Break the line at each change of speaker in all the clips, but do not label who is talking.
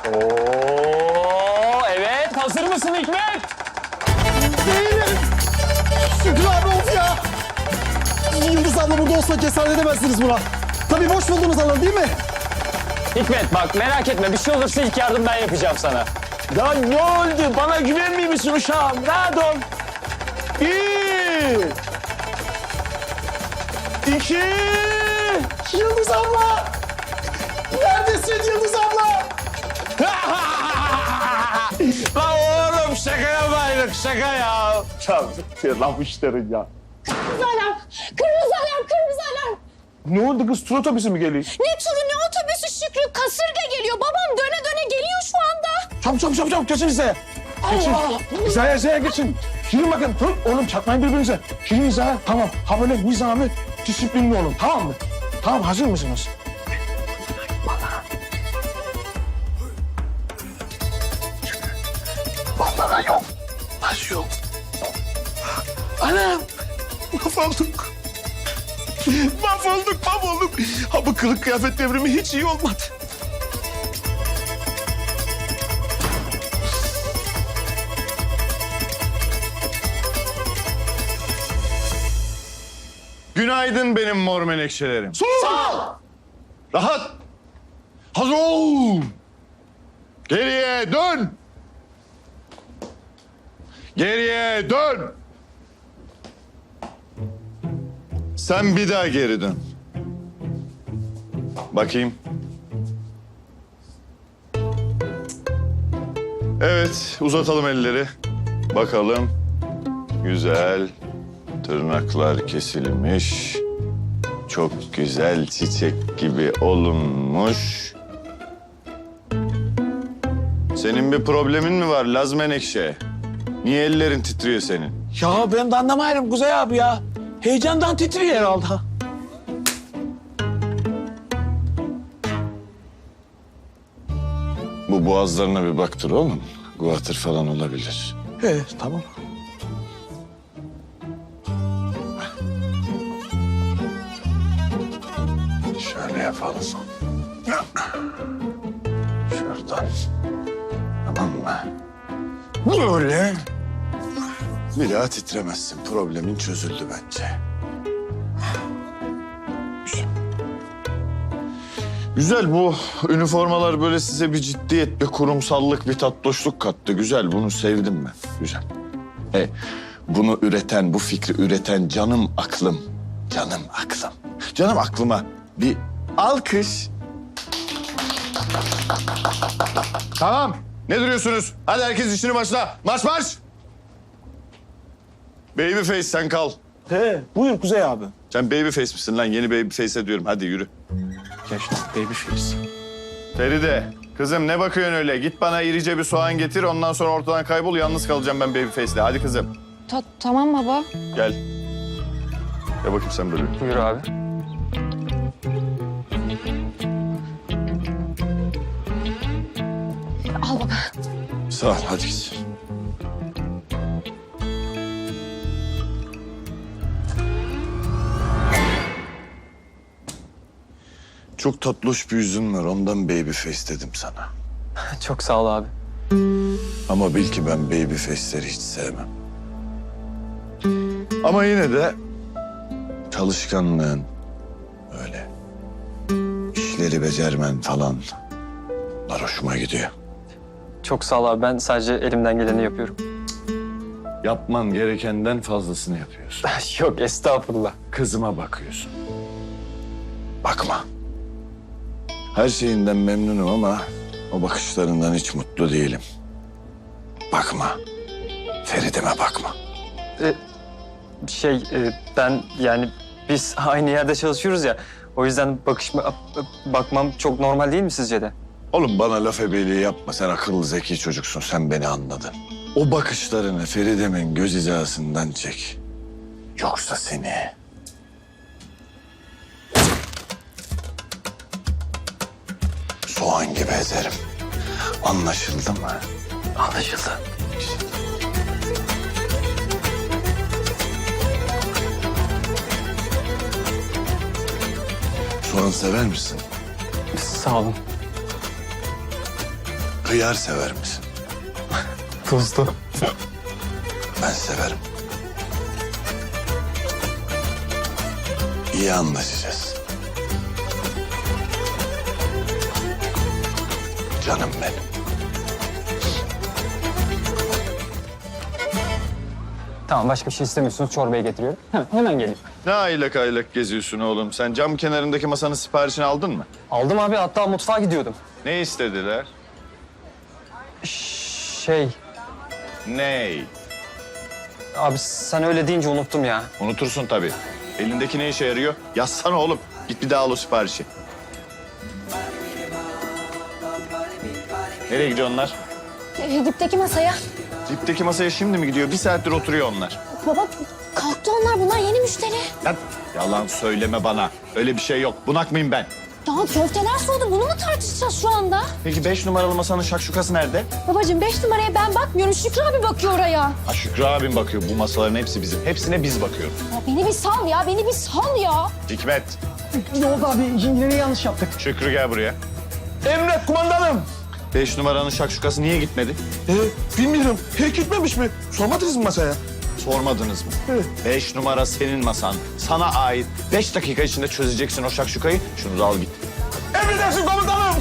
Oo, evet. Hazır mısın Hikmet?
Değilim. Şükrü abi of ya. Yıldız abla burada olsa cesaret edemezsiniz buna. Tabii boş buldunuz alanı değil mi?
Hikmet bak merak etme. Bir şey olursa ilk yardım ben yapacağım sana.
Ya ne oldu? Bana güvenmiyor musun uşağım? Rahat ol. 1, 2.
Yıldız abla. Neredesin Yıldız abla?
Lan oğlum şaka yapaydık şaka ya. Çabuk lan bu işlerin ya.
Kırmızı alarm! Kırmızı alarm! Kırmızı alarm!
Ne oldu kız? Tur otobüsü mü geliyor?
Ne turu ne otobüsü Şükrü? Kasırga geliyor. Babam döne döne geliyor şu anda.
Çabuk geçin hizaya. Geçin. Hizaya geçin. Girin bakın. Dur oğlum çakmayın birbirinize. Girin hizaya. Tamam. Ha böyle nizami, disiplinli olun. Tamam mı? Tamam hazır mısınız? Vallahi yok. Nasıl yok? Anam. Mahvolduk. Mahvolduk. Ha bu kılık kıyafet devrimi hiç iyi olmadı.
Günaydın benim mor menekşelerim.
Sağ ol.
Rahat. Hazır ol. Geriye dön. Geriye dön. Sen bir daha geri dön. Bakayım. Evet, uzatalım elleri. Bakalım. Güzel. Tırnaklar kesilmiş. Çok güzel çiçek gibi olunmuş. Senin bir problemin mi var Laz Menekşe? Niye ellerin titriyor senin?
Ya ben de anlamayırım Kuzey abi ya. Heyecandan titriyor herhalde.
Bu boğazlarına bir baktır oğlum. Guatr falan olabilir.
He tamam.
Şöyle yapalım. Şuradan. Tamam mı? Böyle. Bir daha titremezsin. Problemin çözüldü bence. Güzel. Güzel bu üniformalar böyle size bir ciddiyet, bir kurumsallık, bir tatlışlık kattı. Güzel bunu sevdim ben. Güzel. Bunu üreten, bu fikri üreten canım aklım. Canım aklım. Canım aklıma bir alkış. Tamam. Ne duruyorsunuz? Hadi herkes işini başla. Marş marş. Babyface sen kal.
He buyur Kuzey abi.
Sen babyface misin lan? Yeni babyface'e diyorum. Hadi yürü.
Geçti babyface.
Feride, kızım ne bakıyorsun öyle? Git bana irice bir soğan getir. Ondan sonra ortadan kaybol. Yalnız kalacağım ben babyface'le. Hadi kızım.
Tamam baba.
Gel. Gel bakayım sen böyle.
Buyur abi.
Al baba.
Sağ ol. Hadi git. Çok tatlış bir yüzün var. Ondan babyface dedim sana.
Çok sağ ol abi.
Ama bil ki ben babyface'leri hiç sevmem. Ama yine de çalışkanlığın, öyle işleri becermen falan bunlar hoşuma gidiyor.
Çok sağ ol abi. Ben sadece elimden geleni yapıyorum.
Yapman gerekenden fazlasını yapıyorsun.
Yok estağfurullah.
Kızıma bakıyorsun. Bakma. Her şeyinden memnunum ama o bakışlarından hiç mutlu değilim. Bakma. Feride'me bakma.
Ben yani biz aynı yerde çalışıyoruz ya. O yüzden bakmam çok normal değil mi sizce de?
Oğlum bana laf ebeliği yapma. Sen akıllı zeki çocuksun. Sen beni anladın. O bakışlarını Feride'min göz hizasından çek. Yoksa seni... soğan gibi ezerim. Anlaşıldı mı?
Anlaşıldı.
Soğan sever misin?
Sağ olun.
Hıyar sever misin?
Tuzlu.
Ben severim. İyi anlaşacağız. Canım benim.
Tamam, başka bir şey istemiyorsunuz. Çorbayı getiriyorum. Hemen geleyim.
Ne aylak aylak geziyorsun oğlum? Sen cam kenarındaki masanın siparişini aldın mı?
Aldım abi, hatta mutfağa gidiyordum.
Ne istediler?
Şey,
Ney?
abi sen öyle deyince unuttum ya.
Unutursun tabii. Elindeki ne işe yarıyor? Yazsana oğlum. Git bir daha al o siparişi. Nereye gidiyor onlar?
Dipteki masaya.
Dipteki masaya şimdi mi gidiyor? Bir saattir oturuyor onlar.
Baba kalktı onlar. Bunlar yeni müşteri.
Lan yalan söyleme bana. Öyle bir şey yok. Bunak mıyım ben?
Daha köfteler soğudu. Bunu mu tartışacağız şu anda?
Peki 5 numaralı masanın şakşukası nerede?
Babacığım 5 numaraya ben bakmıyorum. Şükrü abi bakıyor oraya.
Ha Şükrü abim bakıyor. Bu masaların hepsi bizim. Hepsine biz bakıyoruz.
Ya beni bir sal ya. Beni bir sal ya.
Hikmet,
Yok abi yine yanlış yaptık.
Şükrü gel buraya.
Emret kumandanım.
5 numaranın şakşukası niye gitmedi?
Bilmiyorum. Hiç gitmemiş mi? Sormadınız mı masaya?
Sormadınız mı?
Evet.
5 numara senin masan. Sana ait. 5 dakika içinde çözeceksin o şakşukayı. Şunu da al git.
Emredersin komutanım.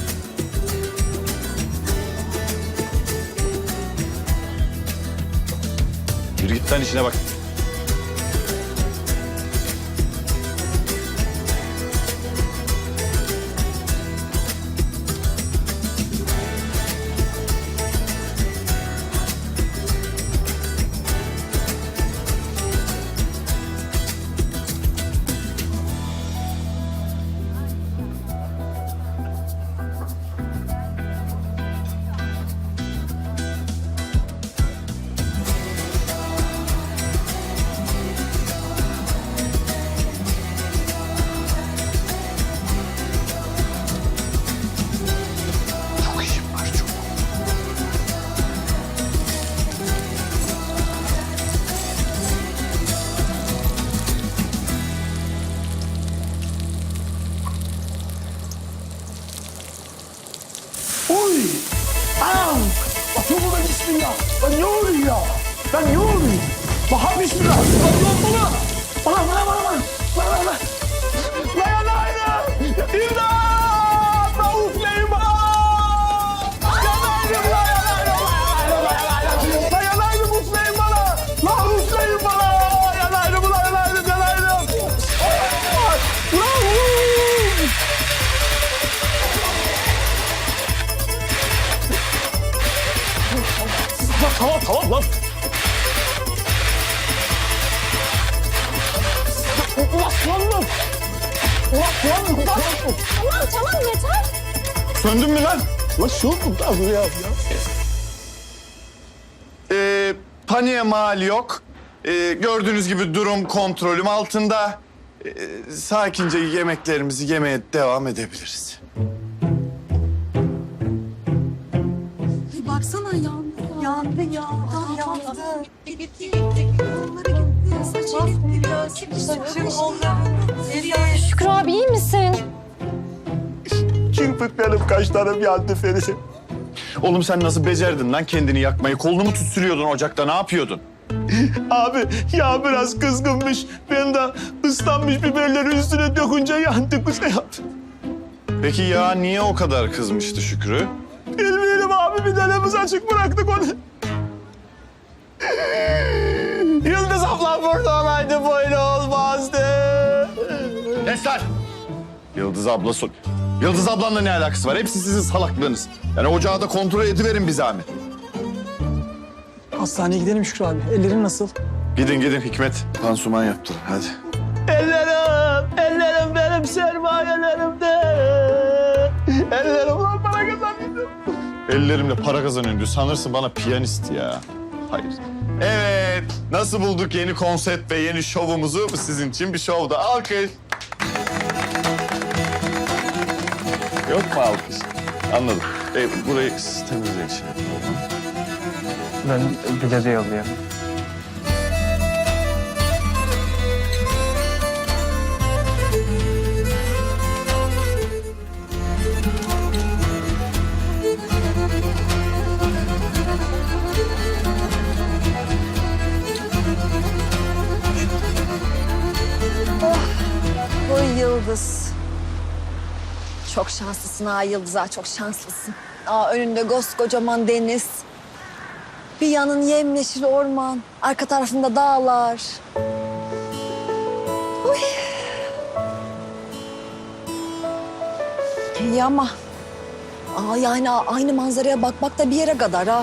Yürü git lan işine bak. Çok işim var çok.
Oy! Anam! Atıyor bu da bismillah. Lan ne oluyor ya? Lan ne oluyor? Baha bismillah. Lan ne oldu lan? Bana. Lan. Lan yanayım. İmdat! Lan ufleyim bana. Yanayım lan. Lan yanayım ufleyim bana. Lan ufleyim bana. Yanayım. Tamam lan.
Tamam yeter.
Söndün mü lan?
Lan şu da buraya ya.
Paniğe mal yok. Gördüğünüz gibi durum kontrolüm altında. Sakince yemeklerimizi yemeye devam edebiliriz.
Baksana yandı. Yandı. Gitti. Kolları gitti. Saçı gitti. Kolları.
Şükrü abi iyi misin?
Kirpiklerim, kaşlarım yandı Feride.
Oğlum sen nasıl becerdin lan kendini yakmayı? Kolunu mu tütsülüyordun ocakta? Ne yapıyordun?
Abi ya biraz kızgınmış. Ben de ıslanmış biberleri üstüne dökünce yandı kuzey abi.
Peki ya niye o kadar kızmıştı Şükrü?
Bilmiyorum abi bir denemiz açık bıraktık onu. Yıldız ablam burada olaydı böyle olmazdı.
Esler! Yıldız abla Yıldız ablanla ne alakası var? Hepsi sizin salaklığınız. Yani ocağı da kontrol ediverin bir zahmet.
Hastaneye gidelim Şükrü abi. Ellerin nasıl?
Gidin Hikmet. Pansuman yaptır hadi.
Ellerim benim sermayelerimde. Ellerim lan para kazandı.
Ellerimle para kazanıyorum diyor. Sanırsın bana piyanist ya. Hayır. Evet. Nasıl bulduk yeni konsept ve yeni şovumuzu? Bu sizin için bir şovda. Alkış. Yok mu alkış? Anladım. Burayı siz temizleyin şimdi.
Ben bir de yolluyorum.
Çok şanslısın ha Yıldız ha, çok şanslısın. Önünde koskocaman deniz. Bir yanın yemyeşil orman, arka tarafında dağlar. Uy. İyi ama... yani aynı manzaraya bakmak da bir yere kadar ha.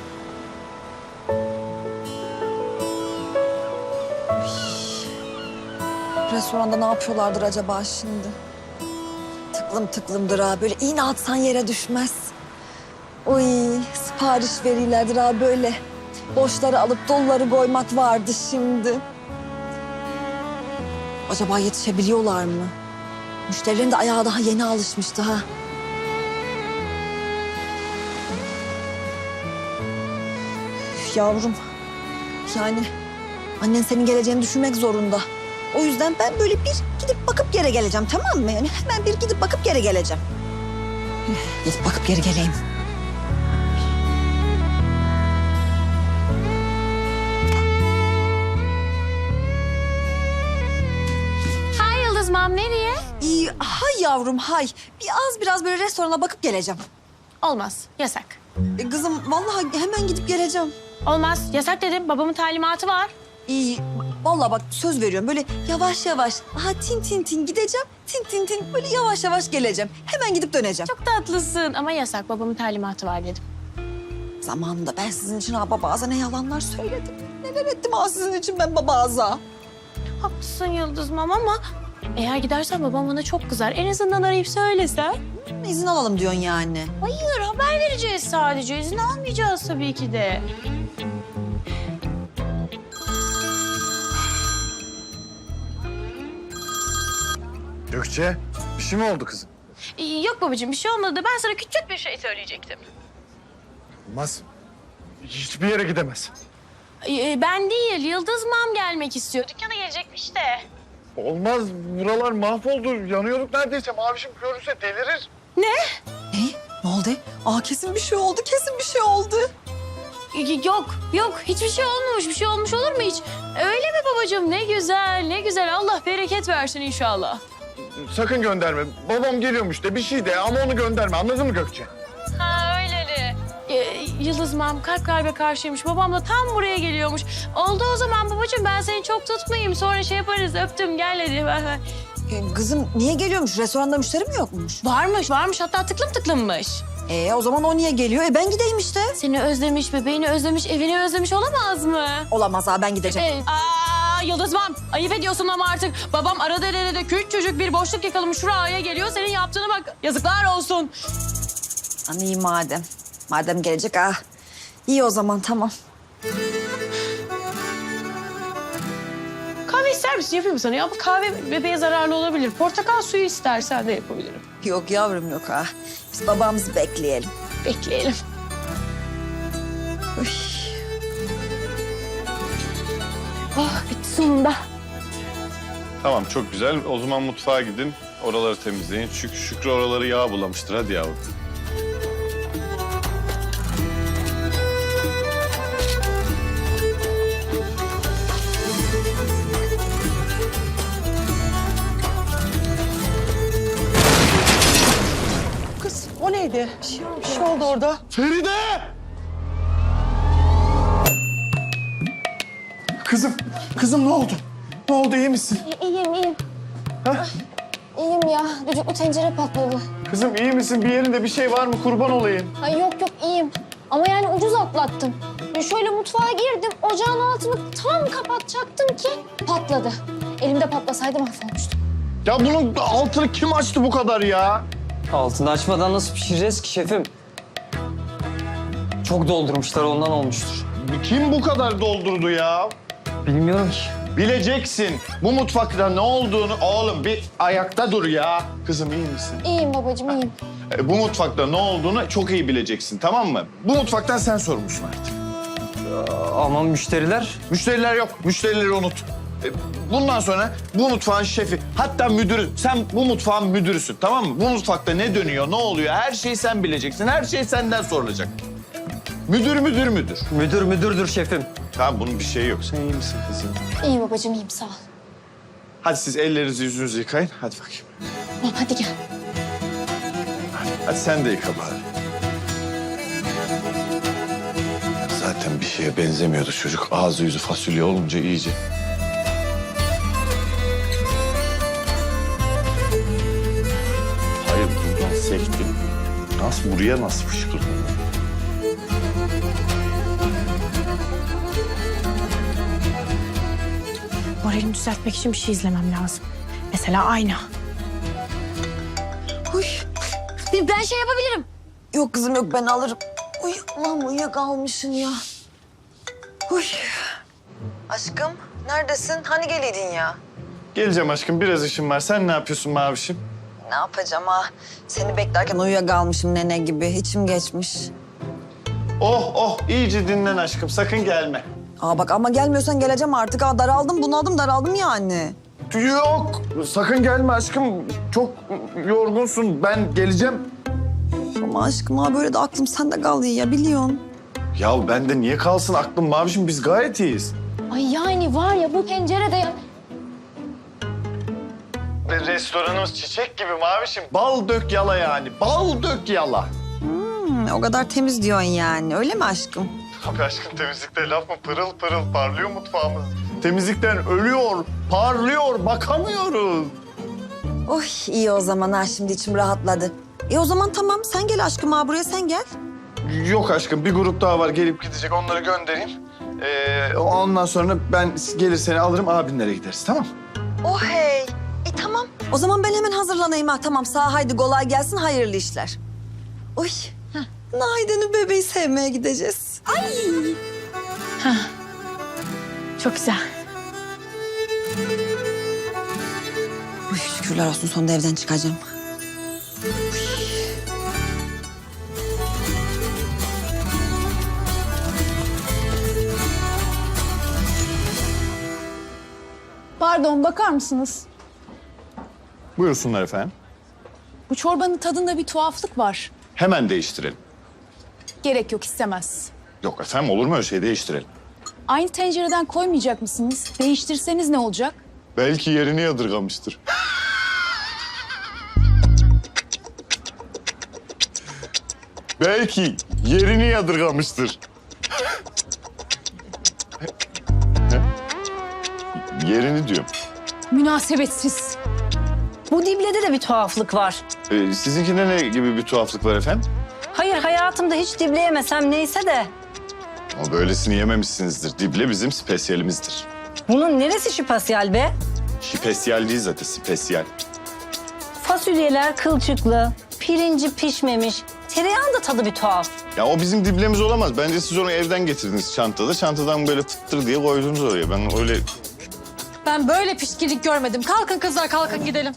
Restoranda ne yapıyorlardır acaba şimdi? Tıklım tıklımdır ha. Böyle iğne atsan yere düşmez. Uy, sipariş verirlerdir ha böyle. Boşları alıp doluları koymak vardı şimdi. Acaba yetişebiliyorlar mı? Müşterilerin de ayağı daha yeni alışmıştı ha. Üf, yavrum. Yani annen senin geleceğini düşünmek zorunda. O yüzden ben böyle bir gidip bakıp geri geleceğim, tamam mı? Yani hemen bir gidip bakıp geri geleceğim. Gidip bakıp geri geleyim.
Hay Yıldız Mam, nereye?
İyi, hay yavrum hay. Biraz böyle restorana bakıp geleceğim.
Olmaz, yasak.
Kızım vallahi hemen gidip geleceğim.
Olmaz, yasak dedim. Babamın talimatı var.
İyi, vallahi bak söz veriyorum. Böyle yavaş yavaş, tin tin tin gideceğim. Tin tin tin böyle yavaş yavaş geleceğim. Hemen gidip döneceğim.
Çok tatlısın ama yasak. Babamın talimatı var dedim.
Zamanında ben sizin için babaza ne yalanlar söyledim. Neler ettim sizin için ben babaza.
Haklısın Yıldız Mam ama eğer gidersen babam bana çok kızar. En azından arayıp söylesen.
İzin alalım diyorsun yani.
Hayır, haber vereceğiz sadece. İzin almayacağız tabii ki de.
Gökçe, bir şey mi oldu kızım?
Yok babacığım, bir şey olmadı. Ben sana küçük bir şey söyleyecektim.
Olmaz. Hiçbir yere gidemez.
Ben değil, Yıldız Mam gelmek istiyor. Dükkana gelecekmiş de.
Olmaz. Buralar mahvoldu. Yanıyorduk neredeyse. Mavişim görürse delirir.
Ne? Ne oldu? Kesin bir şey oldu, kesin bir şey oldu.
Yok. Hiçbir şey olmamış. Bir şey olmuş olur mu hiç? Öyle mi babacığım? Ne güzel, ne güzel. Allah bereket versin inşallah.
Sakın gönderme. Babam geliyormuş de bir şey de ama onu gönderme. Anladın mı Gökçe?
Ha öyleli. Yıldız Mam kalp kalbe karşıymış. Babam da tam buraya geliyormuş. Oldu o zaman babacığım, ben seni çok tutmayayım. Sonra şey yaparız, öptüm gel hadi. Ver.
Kızım niye geliyormuş? Restoranda müşteri mi yokmuş?
Varmış. Hatta tıklımmış.
O zaman o niye geliyor? Ben gideyim işte.
Seni özlemiş, bebeğini özlemiş, evini özlemiş olamaz mı?
Olamaz ha, ben gideceğim.
Yıldız Mam, ayıp ediyorsun ama artık. Babam arada derede küçücük bir boşluk yakalamış şuraya geliyor. Senin yaptığına bak. Yazıklar olsun.
İyi madem. Madem gelecek İyi o zaman tamam.
Kahve ister misin? Yapayım sana ya. Bu kahve bebeğe zararlı olabilir. Portakal suyu istersen de yapabilirim.
Yok yavrum yok Biz babamızı bekleyelim.
Bekleyelim.
Uy.
Bitti sonunda.
Tamam, çok güzel. O zaman mutfağa gidin, oraları temizleyin. Çünkü Şükrü oraları yağ bulamıştır. Hadi yavrum.
Kız o neydi? Bir şey oldu orada.
Feride! Kızım ne oldu? Ne oldu, iyi misin?
İyiyim. İyiyim ya. Düdüklü tencere patladı.
Kızım iyi misin? Bir yerinde bir şey var mı? Kurban olayım.
Ay yok iyiyim. Ama yani ucuz atlattım. Şöyle mutfağa girdim. Ocağın altını tam kapatacaktım ki patladı. Elimde patlasaydı mahvolmuştum.
Ya bunun altını kim açtı bu kadar ya?
Altını açmadan nasıl pişireceğiz ki şefim? Çok doldurmuşlar, ondan olmuştur.
Kim bu kadar doldurdu ya?
Bilmiyorum ki.
Bileceksin. Bu mutfakta ne olduğunu... Oğlum bir ayakta dur ya. Kızım iyi misin?
İyiyim babacığım, iyiyim.
Bu mutfakta ne olduğunu çok iyi bileceksin, tamam mı? Bu mutfaktan sen sorumlusun artık.
Ama müşteriler...
Müşteriler yok. Müşterileri unut. Bundan sonra bu mutfağın şefi, hatta müdürü. Sen bu mutfağın müdürüsün, tamam mı? Bu mutfakta ne dönüyor, ne oluyor? Her şeyi sen bileceksin. Her şey senden sorulacak. Müdür.
Müdürdür şefim.
Tamam, bunun bir şeyi yok. Sen iyi misin kızım?
İyi babacığım, iyiyim sağ ol.
Hadi siz ellerinizi yüzünüzü yıkayın. Hadi bakayım.
Tamam hadi gel.
Hadi sen de yıka bari. Zaten bir şeye benzemiyordu çocuk. Ağzı yüzü fasulye olunca iyice. Hayır, buradan sektim. Buraya nasıl fışkırdı?
Moralimi düzeltmek için bir şey izlemem lazım. Mesela ayna.
Uy.
Ben şey yapabilirim.
Yok kızım yok ben alırım. Uy Allah'ım uyuyakalmışım ya. Uy. Aşkım neredesin? Hani geliydin ya?
Geleceğim aşkım, biraz işim var. Sen ne yapıyorsun Mavişim?
Ne yapacağım ha? Seni beklerken uyuyakalmışım nene gibi. İçim geçmiş.
Oh, iyice dinlen aşkım. Sakın gelme.
Aa bak ama gelmiyorsan geleceğim artık. Aa daraldım daraldım yani.
Yok, sakın gelme aşkım. Çok yorgunsun. Ben geleceğim.
Ama aşkım ha böyle de aklım sende kaldı ya biliyorsun.
Ya bende niye kalsın aklım Mavişim? Biz gayet iyiyiz.
Ay yani var ya bu pencerede ya.
Restoranımız çiçek gibi Mavişim. Bal dök yala yani. Bal dök yala.
O kadar temiz diyorsun yani öyle mi aşkım?
Abi aşkım temizlikte laf mı? Pırıl pırıl parlıyor mutfağımız. Temizlikten ölüyor, parlıyor, bakamıyoruz.
Oy iyi o zaman ha şimdi içim rahatladı. O zaman tamam sen gel aşkım ha buraya sen gel.
Yok aşkım, bir grup daha var gelip gidecek. Onları göndereyim. Ondan sonra ben gelir seni alırım, abinlere gideriz, tamam?
Oh hey. Tamam. O zaman ben hemen hazırlanayım ha. Tamam sağ haydi kolay gelsin hayırlı işler. Oy. Naide'nin bebeği sevmeye gideceğiz. Ay.
Çok güzel.
Uy, şükürler olsun sonunda evden çıkacağım.
Pardon bakar mısınız?
Buyursunlar efendim.
Bu çorbanın tadında bir tuhaflık var.
Hemen değiştirelim.
Gerek yok istemez.
Yok efendim, olur mu öyle şey? Değiştirelim.
Aynı tencereden koymayacak mısınız? Değiştirseniz ne olacak?
Belki yerini yadırgamıştır. Belki yerini yadırgamıştır. Yerini diyorum.
Münasebetsiz.
Bu diblede de bir tuhaflık var.
Sizinkinde ne gibi bir tuhaflık var efendim?
Hayır hayatımda hiç dible yemesem neyse de.
Ama böylesini yememişsinizdir. Dible bizim spesyalimizdir.
Bunun neresi şipasyal be?
Şipesyal değil zaten, spesiyal.
Fasulyeler kılçıklı, pirinci pişmemiş. Tereyağın da tadı bir tuhaf.
Ya o bizim diblemiz olamaz. Bence siz onu evden getirdiniz çantada. Çantadan böyle fıttır diye koydunuz oraya. Ben öyle...
Ben böyle pişkinlik görmedim. Kalkın kızlar kalkın gidelim.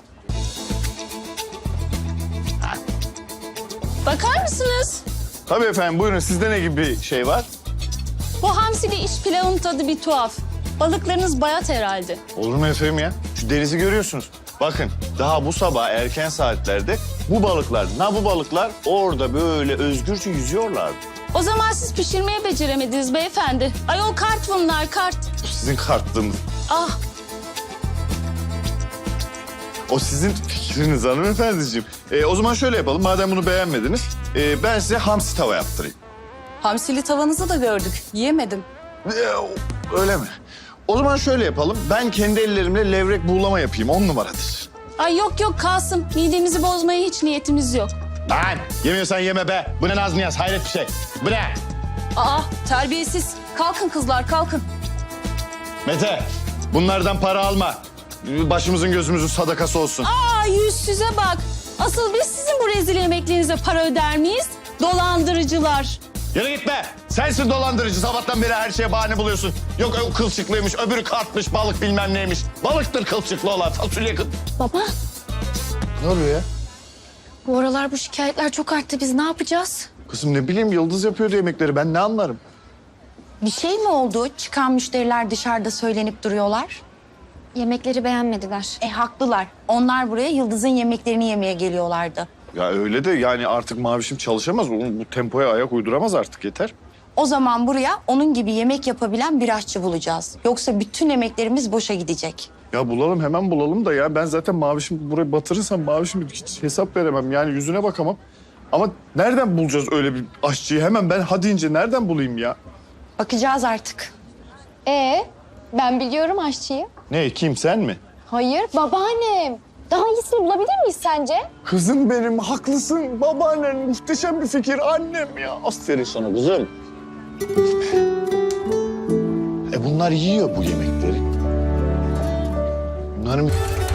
Bakar mısınız?
Tabii efendim, buyurun. Sizde ne gibi bir şey var?
Bu hamsili iç pilavın tadı bir tuhaf. Balıklarınız bayat herhalde.
Olur mu efendim ya? Şu denizi görüyorsunuz. Bakın daha bu sabah erken saatlerde bu balıklar orada böyle özgürce yüzüyorlardı.
O zaman siz pişirmeyi beceremediniz beyefendi. Ayol kart bunlar kart.
Sizin kartlığınız.
Ah
O sizin fikriniz hanımefendiciğim. O zaman şöyle yapalım. Madem bunu beğenmediniz, ben size hamsi tava yaptırayım.
Hamsili tavanızı da gördük. Yiyemedim.
Öyle mi? O zaman şöyle yapalım. Ben kendi ellerimle levrek buğulama yapayım. 10 numaradır.
ay yok Kasım. Midemizi bozmaya hiç niyetimiz yok.
Lan yemiyorsan yeme be. Bu ne naz niyaz, hayret bir şey. Bu ne?
Aa terbiyesiz. Kalkın kızlar kalkın.
Mete, bunlardan para alma. Başımızın gözümüzün sadakası olsun.
Aa yüzsüze bak. Asıl biz sizin bu rezil yemeklerinize para öder miyiz? Dolandırıcılar.
Yürü git be. Sensin dolandırıcı. Sabahtan beri her şeye bahane buluyorsun. Yok o kılçıklıymış, öbürü kartmış, balık bilmem neymiş. Balıktır kılçıklı olan, fasulye
Baba
Ne oluyor ya?
bu aralar bu şikayetler çok arttı. Biz ne yapacağız?
Kızım ne bileyim, Yıldız yapıyordu yemekleri. Ben ne anlarım?
Bir şey mi oldu? Çıkan müşteriler dışarıda söylenip duruyorlar.
Yemekleri beğenmediler.
Haklılar. Onlar buraya Yıldız'ın yemeklerini yemeye geliyorlardı.
Ya öyle de yani artık Mavişim çalışamaz. Bu tempoya ayak uyduramaz artık, yeter.
O zaman buraya onun gibi yemek yapabilen bir aşçı bulacağız. Yoksa bütün emeklerimiz boşa gidecek.
Ya bulalım, hemen bulalım da ya. Ben zaten Mavişim burayı batırırsam Mavişim hiç hesap veremem. Yani yüzüne bakamam. Ama nereden bulacağız öyle bir aşçıyı? Hemen ben ha deyince nereden bulayım ya?
Bakacağız artık.
Ben biliyorum aşçıyı.
Ne, kim, sen mi?
Hayır, babaannem. Daha iyisini bulabilir miyiz sence?
Kızım benim, haklısın. Babaannen muhteşem bir fikir. Annem ya. Aferin sana kızım. Bunlar yiyor bu yemekleri. Bunların